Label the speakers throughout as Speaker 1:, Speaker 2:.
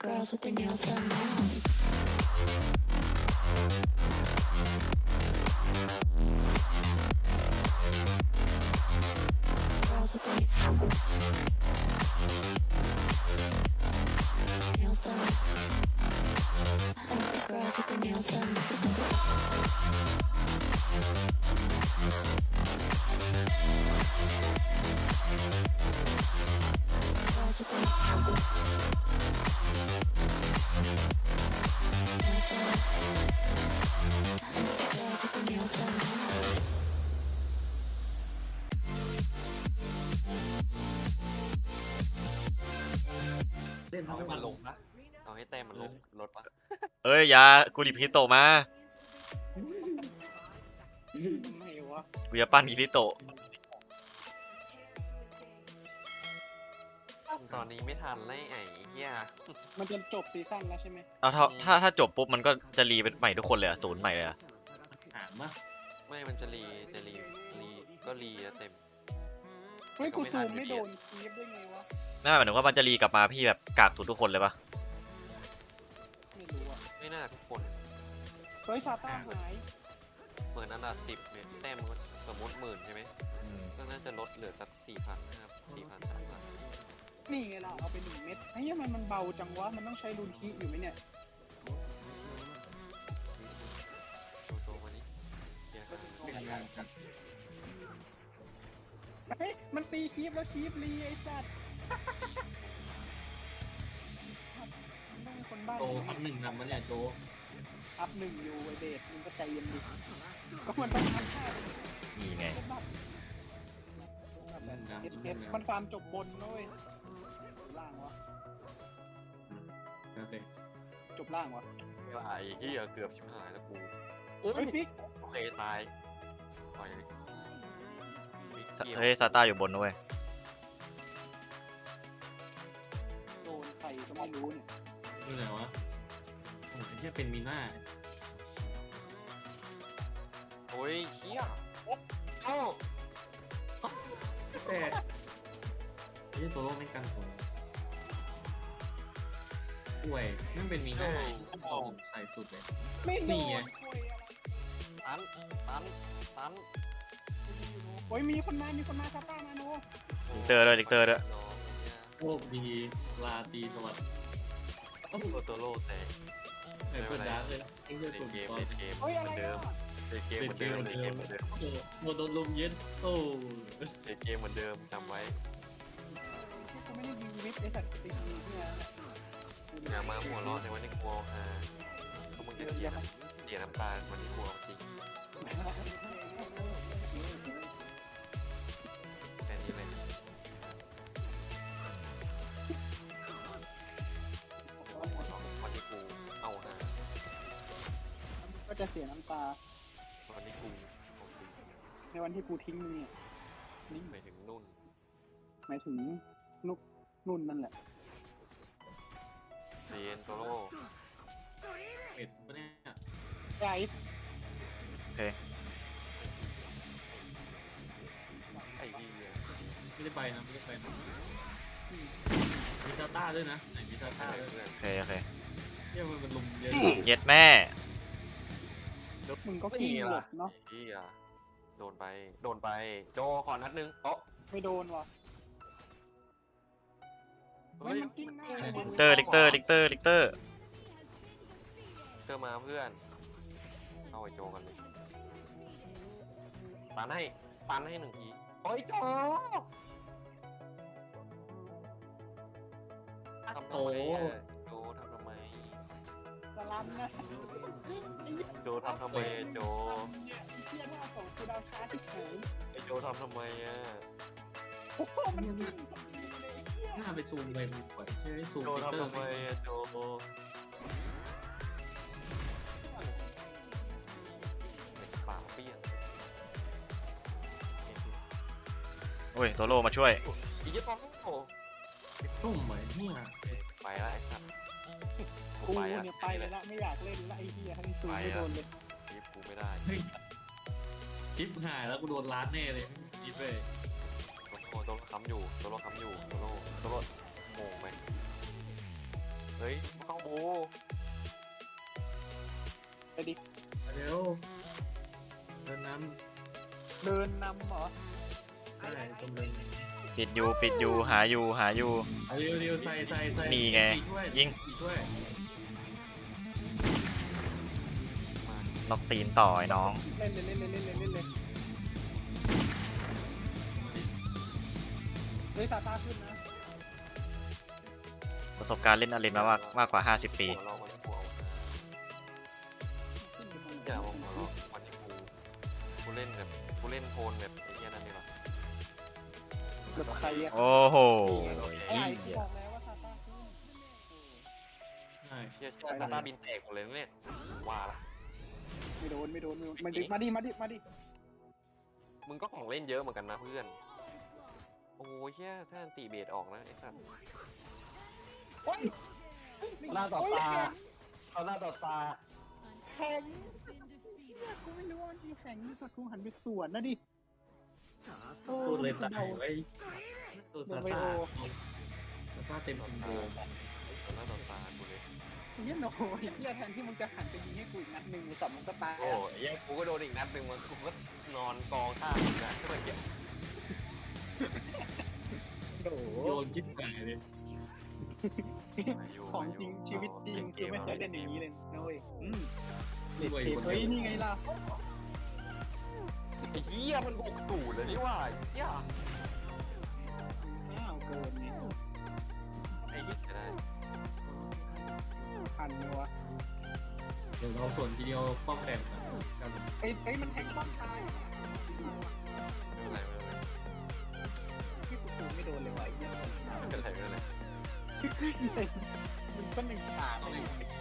Speaker 1: girls with their nails done now. Girls with their nails done. I like the girls with their nails done. Girls with their nails done. I like the girls with their nails done.
Speaker 2: เล่น
Speaker 3: เอา
Speaker 2: ทั้ง
Speaker 3: ให้
Speaker 2: วั
Speaker 3: มัน นลงปะเอาให้แต้มมันลงลดปะ
Speaker 4: เอ้ยอยากูดิพิโตะมา
Speaker 2: ไม่วะ
Speaker 4: กูจะปั้นกิริโตะ
Speaker 3: ตอนนี้ไม่ทันเลยไอ้เหี้ย
Speaker 2: มันจะจบซีซั่นแล้วใช่ไหม
Speaker 4: เอาถ้าจบปุ๊บมันก็จะรีเป็นใหม่ทุกคนเลยอะศูนย์ใหม่เลยอะ
Speaker 2: ถามปะ
Speaker 3: ไม่มันจะรีก็รีอะเต็ม
Speaker 2: เฮ้ยกูซูมไม่โดนคีฟได้ไงวะ
Speaker 4: น่าหมายถึงว่ามันจะรีกลับมาพี่แบบกากศูนย์ทุกคนเลยปะ
Speaker 2: ไม่รู้อ่ะ
Speaker 3: ไม่น่าทุกคน
Speaker 2: เฮ้ยซาต้าหาย
Speaker 3: เหมือนอันดับ10เนี่ยแต้มมันสมมติ10,000ใช่ไหมก็น่าจะลดเหลือสัก4,000นะครับ4,000 3,000
Speaker 2: นี่ไงล่ะเอาไป1 เม็ดไอ้เหี้ยมันเบาจังวะมันต้องใช้รูนคีอยู่ไหมเนี่ย
Speaker 3: โชว์มาดิเหี้ย
Speaker 2: เฮ้ยมันตีคีฟแล้วคีฟรีไอ้สัตว์มันต้องมีคนบ้า
Speaker 5: โจอัพหนึ่งนำมาเนี่ยโจ
Speaker 2: อัพ1อยู่ไอเดทมึงก็ใจเย็นดิก็มันต้องอัพ5
Speaker 4: นี่ไง
Speaker 2: ก็แบบมันฟาร์มจบบนนะเว้ยล่างวะ
Speaker 5: โอเค
Speaker 2: จบล่างวะ
Speaker 3: ไอ้เหี้ยเกือบชิบหายแล้วกู
Speaker 2: เฮ้ยฟิก
Speaker 3: โอเคตายปล่อยเลยมิกเกี่ยว
Speaker 4: เฮ้ยซาต้าอยู่บนด้วย
Speaker 2: โดนใครก็ไม่รู้เนี่ย
Speaker 5: นี่ไหนวะโอ้ยแค่เป็นมีหน้า
Speaker 3: โอ้ยเหี้ยเอ้า
Speaker 5: แต่นี่ตัวโลกไม่กันผมป่วยนั่นเป็นมีหน้าทองใส่สุดเลย
Speaker 2: ไม่โด
Speaker 5: นี่ไง
Speaker 2: นคุยอะไร
Speaker 3: ตัน
Speaker 2: โอ้ยมีคนมาซาต้ามาโน
Speaker 4: ลิกเตอร์ด้วยลิกเตอร์ด้วย
Speaker 3: น้องเนี่ย
Speaker 5: โชคดีลาตีสวัสดิ์
Speaker 3: โอ้โหตัวโลแตก
Speaker 5: ไอ้คนดังเลยไอ้เรื่อง
Speaker 3: เล่
Speaker 5: สุ
Speaker 3: น
Speaker 5: ด
Speaker 3: เกม
Speaker 5: ตอน
Speaker 3: เล่นเกม
Speaker 2: เฮ้ย
Speaker 3: เห
Speaker 2: อะไร
Speaker 3: มือนเดิม
Speaker 2: อ่ะ
Speaker 3: เล่นเกมเหมือนเดิมเล่นเกมเหมือนเดิม
Speaker 5: โอ้โหโดนลมเย็นโอ้
Speaker 3: เล่นเกมเหมือนเดิมจำไว้
Speaker 2: กูไม่ได้ยิงวิทย์ไอ้สัตว์ตีเนี่ย
Speaker 3: อย่ามาหัวเราะในวันที่กลัวฮะพวกมึงจะเสียน้ำตาวันที่กลัวจริงแค่นี้เลยวันที่กูเอาฮะ
Speaker 2: ก็จะเสียน้ำตา
Speaker 3: วันที่กูเอาจริง
Speaker 2: ในวันที่กูทิ้งมึงเนี่ยนี่
Speaker 3: ไปถึงนุ่น
Speaker 2: หมายถึงนุกนุ่นนั่นแหละ
Speaker 3: เรียนตัวโล
Speaker 5: เป็ดปะเนี่ย
Speaker 2: ไอ้
Speaker 3: ไอ้เหี้ย
Speaker 5: ไม่ได้ไปนะไม่ได้ไปนะมีซาต้าด้วยนะไหนมีซาต้าด้วย
Speaker 3: เพื่อน
Speaker 4: โอเคโอเค
Speaker 5: เนี่ยมันเป็นลมเย็น
Speaker 4: เย็ดแม่
Speaker 2: มึงก็กิ้งหลบเนาะ
Speaker 3: ไอ้เหี้ยโดนไปโจขอนัดนึงโต๊ะ
Speaker 2: ไม่โดนว่ะเฮ้ยมันกิ้งหน้า
Speaker 4: ลิกเตอร์ลิกเตอร์ลิกเตอร์ลิกเตอร์
Speaker 3: เจอมาเพื่อนเอาไอ้โจกันเลยปันให้1 ทีโอ้ยโจทำทำไมอะโจทำทำไม
Speaker 2: สลัมนะ
Speaker 3: โจทำทำไมอะโจ
Speaker 2: เนี่ยเที่ยหน้าของกูดาวช้าที่ไหน
Speaker 3: ไอ้โจทำทำไมอะ
Speaker 2: โอ้โหมันกิ้งเลยไอ้เหี้ย
Speaker 5: หน้าไปซูมไปมันปล่อยใช่ไหมซูม
Speaker 3: โจ
Speaker 5: ฟิลเตอ
Speaker 3: ทำ
Speaker 5: ร์
Speaker 3: ทำไม
Speaker 5: ไม่
Speaker 3: อะโจปากเปี้ยง
Speaker 4: โอ้ยโตโร่มาช่วย
Speaker 3: อีกยี่ปองโอ้
Speaker 5: ตุ้มเหมือนเนี่ย
Speaker 3: ไปแล้วไอ้สัตว์
Speaker 2: กูเนี่ยไปเลยละไม่อยากเล่นละไอ้เหี้ยทั้งซูมไม่โดนเลย
Speaker 3: ยิบกูไม่ได้
Speaker 5: ชิปหายแล้วกูโดนล้านแน่เลยชิปเลย
Speaker 3: โตัวโลค้ำอยู่โงงไหมเฮ้ยเข้าบู
Speaker 2: ไปดิ
Speaker 5: เร็วเดินน้
Speaker 2: เดินนำเหรอ
Speaker 5: ำได้ตรงเลย
Speaker 4: ปิดอยู่หาอยู่
Speaker 5: เอาเร็วๆใส่
Speaker 4: นี่ไง
Speaker 5: สี่ถ้ว
Speaker 4: ยิง
Speaker 5: สี่ถ้วย
Speaker 4: ล็อกตีนต่อไอ้น้อง
Speaker 2: เล่นเลยเฮ้ยซาต้าขึ้นนะ
Speaker 4: ประสบการณ์เล่นอารินมากกว่า 50 ปี
Speaker 3: หัวเราะวันที่กูเอา
Speaker 2: ขึ้นไปตรง
Speaker 3: อย่ามาหัวเราะวันที่กูเล่นแบบกูเล่นโทนแบบไอ้เหี้ยนั่นนี่หรอ
Speaker 2: กับใครอะ
Speaker 4: โอ้โห
Speaker 2: ไอ้กูบอกแล้วว่าซาต้าขึ้น
Speaker 5: ใช่
Speaker 3: เชี่ยซาตาบินแตกหมดเลยนะเนี่ยว่าละ
Speaker 2: ไม่โดนมาดิ
Speaker 3: มึงก็ของเล่นเยอะเหมือนกันนะเพื่อนโอ้ยเชี่ยถ้าอันตีเบสออกนะไอ้สัตว์
Speaker 2: โอ้ย
Speaker 5: หน้าต่อตาเอาหน้าต่อตา
Speaker 2: แข็งกูไม่รู้ว่ามันมีแข็งที่สักกูหันไปสวนนะดิ
Speaker 5: ตูดเลยตายไว้ตูด
Speaker 2: โด
Speaker 5: ซาน
Speaker 2: ไว
Speaker 5: ต้า
Speaker 2: โอ
Speaker 5: ซาต้าเต็มซิมโบ
Speaker 3: ต่อหน้าต่อตากูเลย
Speaker 2: เนี่ยโอ้ยเฮียแทนที่มึงจะหันไปยิงให้กูอีกนัดหนึ่งสับมึงก็ตาย
Speaker 3: โอ้ยเหี้ยกูก็โดนอีกนัดหนึ่งมันกูก็นอนกองข้างมึงนะก็เลยเก็บ
Speaker 2: โอ้โห
Speaker 5: โยนจิ๊บไก่เลย
Speaker 2: ของจริงชีวิตจริงคือไม่เคยเล่นอย่างนี้เลยนะเว้ยเด็ด
Speaker 5: ด้วย
Speaker 2: เด็ด
Speaker 5: คน
Speaker 2: เฮ้ย
Speaker 5: เดียว
Speaker 2: นี่ไงล่ะ
Speaker 3: ไอ้เหี้ยมัน60เลยนี่ว่าไอ้เหี้ย
Speaker 2: อ้าวเกินไง
Speaker 3: ไอ้เหี้ยจะได้
Speaker 2: พันเลยวะ
Speaker 5: เดี๋ยวเราส่วนทีเดียวป้อมแตกกัน
Speaker 2: เอ้ยมันแทงป้อมตาย
Speaker 3: ไม่เป็นไร
Speaker 2: ที่กูไม่โดนเลยวะไอ้เนี่ย
Speaker 3: ไม่เป็นไร
Speaker 2: มันก็หนึ่งสามเลย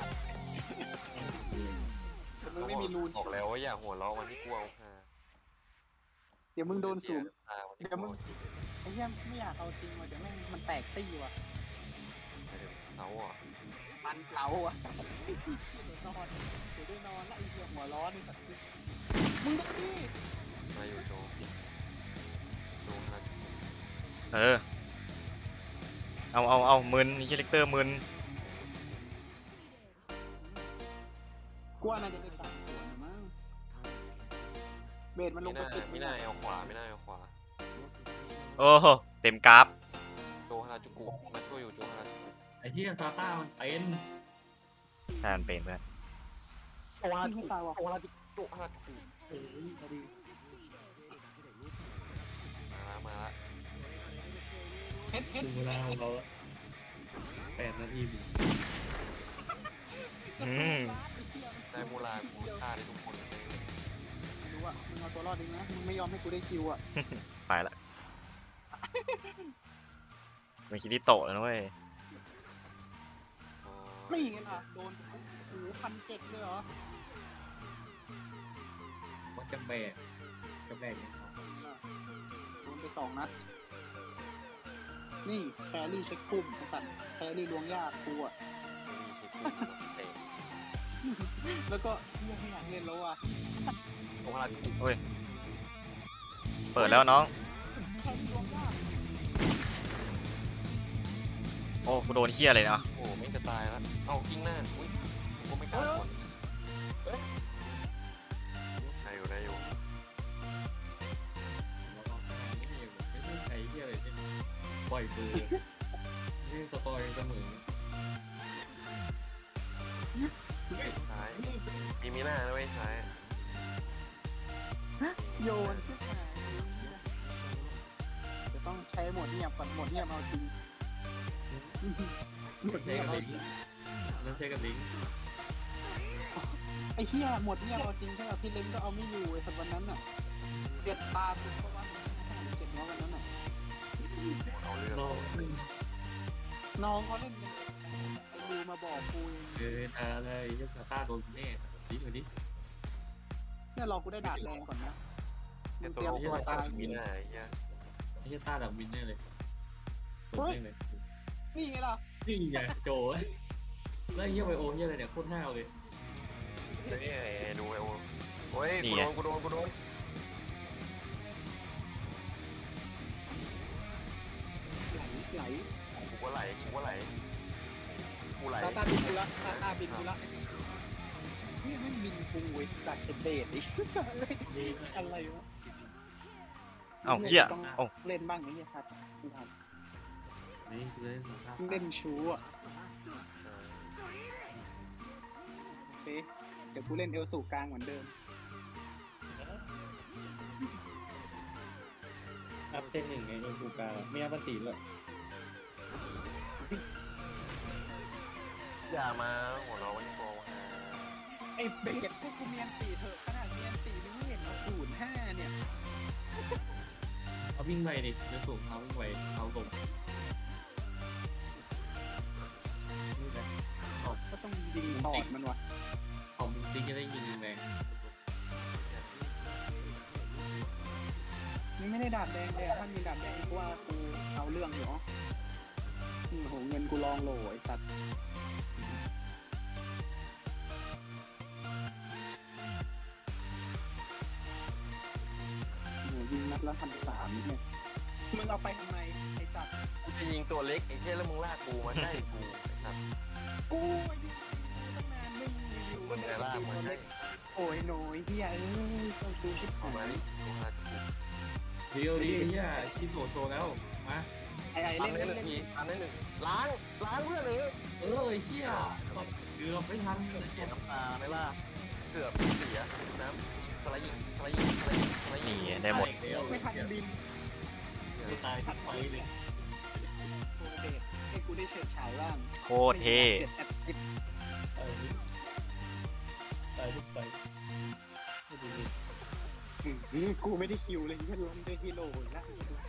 Speaker 2: แต่มึงไม่มีรูน
Speaker 3: บอกแล้วว่าอย่าหัวเราะวันที่กูเอาค่ะ
Speaker 2: เดี๋ยวมึงโดนสูง
Speaker 3: เดี๋ยวมึง
Speaker 2: ไอ้เหี้ยไม่อยากเอาจริงว่ะเดี๋ยวแม่งมันแตกตี้ว่ะ
Speaker 3: เขาอ่ะ
Speaker 2: มันเผาอ่ะนอนเดี๋ยวได้นอนแล้วไอ้เหี้ยหัวร้อนนี่สัตว์มึงดูดิ
Speaker 3: มาอยู่โจฮา
Speaker 4: เออ เอามึนนี่เลกเตอร์มึน
Speaker 2: กลัวน่าจะเป็นต่างส่วนมั้งเบสมันลงไปปิด
Speaker 3: ไม่น่าเอาขวาไม่น่าเอาขวา
Speaker 4: โอ้โหเต็มกราฟ
Speaker 3: โจฮาราจูกุมาช่วยอยู่โจฮาราจูกุ
Speaker 5: ไอ้ที่ซาต้ามันเป็น
Speaker 4: แทนเป็นเพื่อน
Speaker 2: โอ้ยตายว่ะ
Speaker 3: โจฮาราจูกุโจฮาราจูกุ
Speaker 2: เฮ้ยพอดี
Speaker 3: มาละ
Speaker 2: เฮ็ด
Speaker 5: ถึงเวลาของเรา8 นาที
Speaker 3: ได้มูลากูฆ่าได้ทุกคนเลย
Speaker 2: รู้อ่ะมึงเอาตัวรอดดีนะมึงไม่ยอมให้กูได้คิวอ่ะ
Speaker 4: ไปละเป็นคิริโตะแล้วนะเว้ย
Speaker 2: นี่ไงล่ะโดนโอ้โห1,700เลยเหรอ
Speaker 5: มันจะแบกเนี่ย
Speaker 2: โดนไป2 นัดนี่แครี่เช็คปุ่มไอ้สัตว์แครี่ล้วงยากกูอ่ะ
Speaker 3: มีชิคุเตะ
Speaker 2: แล้วก็เรื่องไม่อยากเล่นแล้วอ่ะ
Speaker 3: โจฮาราจูกุ
Speaker 4: เปิดแล้วน้อง
Speaker 2: แครี่ล้วงยาก
Speaker 4: โอ้กูโดนเฮี้ยเลยนะ
Speaker 3: โอ้ไม่จะตายแล้วเอากิ้งหน้าอุ้ยกูไม่กล้าคนได้อยู่
Speaker 5: ไม่ใช่ใครที่อะไรที่ปล่อยปืนนี่สปอยเสมอ
Speaker 3: ซ้ายมีหน้านะเว้ยซ้าย
Speaker 2: โยนชิบหายจะต้องใช้โหมดเงียบก่อนโหมดเงียบเอาจริงโหมด
Speaker 5: ใช้
Speaker 2: เงียบ
Speaker 5: กับ
Speaker 2: เอา
Speaker 5: ลิง
Speaker 2: จริง
Speaker 5: นั่นใช้กับลิง
Speaker 2: ไอ้เหี้ยโหมดเงียบเอาจริงใช่ไหมพี่เล้งก็เอาไม่อยู่ไอ้สัตว์วันนั้นน่ะเจ็ดตาคุณเพราะว่าเจ็ดน้องวันนั้นน่ะ
Speaker 3: เอาเรื่อง
Speaker 5: น้อง
Speaker 2: น้องเขาเล่นกันไอ้ดูมาบอกกูเอง
Speaker 5: อะไรยังซาต้าโดนแน่ดิมาดิ
Speaker 2: เนี่ยรอกูได้ดาบแรงก่อนนะมึ
Speaker 3: แต่
Speaker 2: ง
Speaker 3: ตั
Speaker 2: เตรี
Speaker 3: วย
Speaker 2: ม
Speaker 3: เรา
Speaker 2: ตัวตาย
Speaker 3: มีหน้าไอ้เหี้ย
Speaker 5: ไอ้ต้าดับวินแน่เลย
Speaker 2: นี่ไงล่ะ
Speaker 5: นี่ไงโจแล้วเฮียไวโอเฮียอะไรเนี่ยโคตรห้าวเลย
Speaker 3: นี่ดูไอโอโอ้ยกูโดน
Speaker 2: ไหล
Speaker 3: กูก็ไหลกู
Speaker 6: กูไหล
Speaker 2: ตาบินกูละตาบินกูละนี่ไม่บินกูไอ้สัตว์เป็นเดทอีกอะไรวะ
Speaker 4: เอ้าเหี้ย
Speaker 2: ต้อง
Speaker 4: เอ้า
Speaker 2: เล่นบ้างไหมเนี่ยครับคุณท
Speaker 5: นี่คือเล่นสภาพ
Speaker 2: ำเล่นชู้อ่ะโอเคเดี๋ยวกูเล่นเอลสูกลางเหมือนเดิม
Speaker 5: อัพเต้นหนึ่งไงในกูการไม่อัพตีเลย
Speaker 6: อย่ามาหัวเราะวันโกง
Speaker 2: ไอ้เบสพวกกูเมียนตีเถอะขนาดเมียนตีนี่ไม่เห็นมา05เนี่ย
Speaker 5: เอาวิ่งไปดิจะสูงเอาวิ่งไปเอาตรงนี่แหละ
Speaker 2: ก็ต้องยิงตอดมันวะ
Speaker 5: ของมึงติ๊กจะได้ยิงแรง
Speaker 2: นี่ไม่ได้ดาบแดงเลยอะถ้ามีดาบแดงกูว่ากูเอาเรื่องอยู่เนาะโอ้โหเงินกูลองโหลไอ้สัตว์โหยิงนัดละ1,300เนี่ยมึงเอาไปทำไมไอ้สัตว์
Speaker 6: กูจะยิงตัวเล็กไอ้เหี้ยแล้วมึงลากกูมาใกล้กูไอ้สัตว์
Speaker 2: กูไอ้ยิงตั้งนานมึงอยู่
Speaker 6: มึงไงลากมาใกล้
Speaker 2: โอ้ยโหนยเฮียเอ้ยต้องดูชิบ
Speaker 6: เอา
Speaker 2: หา
Speaker 6: มาย ดิกูลากกู
Speaker 5: เดียวดีเนี่ยที่โซโชแล้วมา
Speaker 2: ไอ้
Speaker 6: อัน
Speaker 2: เล่น
Speaker 6: ได้
Speaker 2: เล่น
Speaker 6: หนึ่ง
Speaker 2: เล่น
Speaker 6: ทีอันได้หนึ่งล้างเพื่อนเลย
Speaker 5: ไอ้เชี่ยเกือบไม่ทัน
Speaker 6: เสียน้ำตาไหม่ล่ะเกือบเสียน้ำสไลด์ยิงสไลด์ยิงสไลด์ยิงสไลด์ยิ
Speaker 4: นี่
Speaker 6: ง
Speaker 4: ได้หมด
Speaker 2: ไม่ทันบิน
Speaker 5: ตายทันไปเลย
Speaker 2: โคเดทให้กูได้เฉิดฉายบ้าง
Speaker 4: โคตรเท่
Speaker 2: 7 แอดซิป
Speaker 5: ตายทุกไป
Speaker 2: กูไม่ได้คิวเลยแค่ล้มด้วยฮีโร่อีกแล้วดูทรง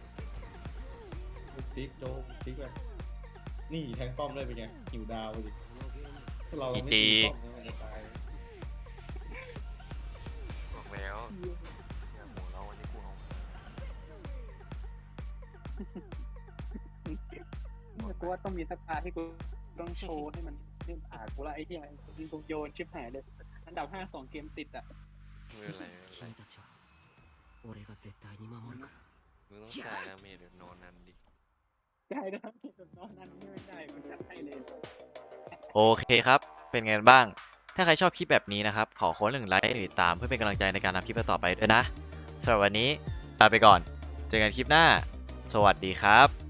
Speaker 5: ติ๊กโดนติ๊กไปนี่แทงป้อมเลยเป็นไงหิวดาวเลยเราไม่
Speaker 4: จี
Speaker 5: ตาย
Speaker 3: บอกแล้วอย่าหัวเราะวันนี้กูเอา
Speaker 2: กูว่าต้องมีสักพาร์ทที่กูต้องโชว์ให้มันเล่นผ่ากูละไอ้ที่มันกูโยนชิบหายเลยอันดับ5 2 เกมติดอ่ะ
Speaker 3: ไม่เป็นไรไม่เป็นไร
Speaker 7: 君たちは俺が絶対に守るから
Speaker 3: มึงต้องจ่ายดาเมจเดี๋ยวนอนนันดิ
Speaker 2: ได้นะนอนนั้นไม่ได้กูจัดให้เลย
Speaker 4: โอเคครับ เป็นไงบ้าง ถ้าใครชอบคลิปแบบนี้นะครับ ขอคน1 ไลค์ติดตามเพื่อเป็นกำลังใจในการทำคลิปต่อไปด้วยนะสำหรับวันนี้ลาไปก่อน เจอกันคลิปหน้า สวัสดีครับ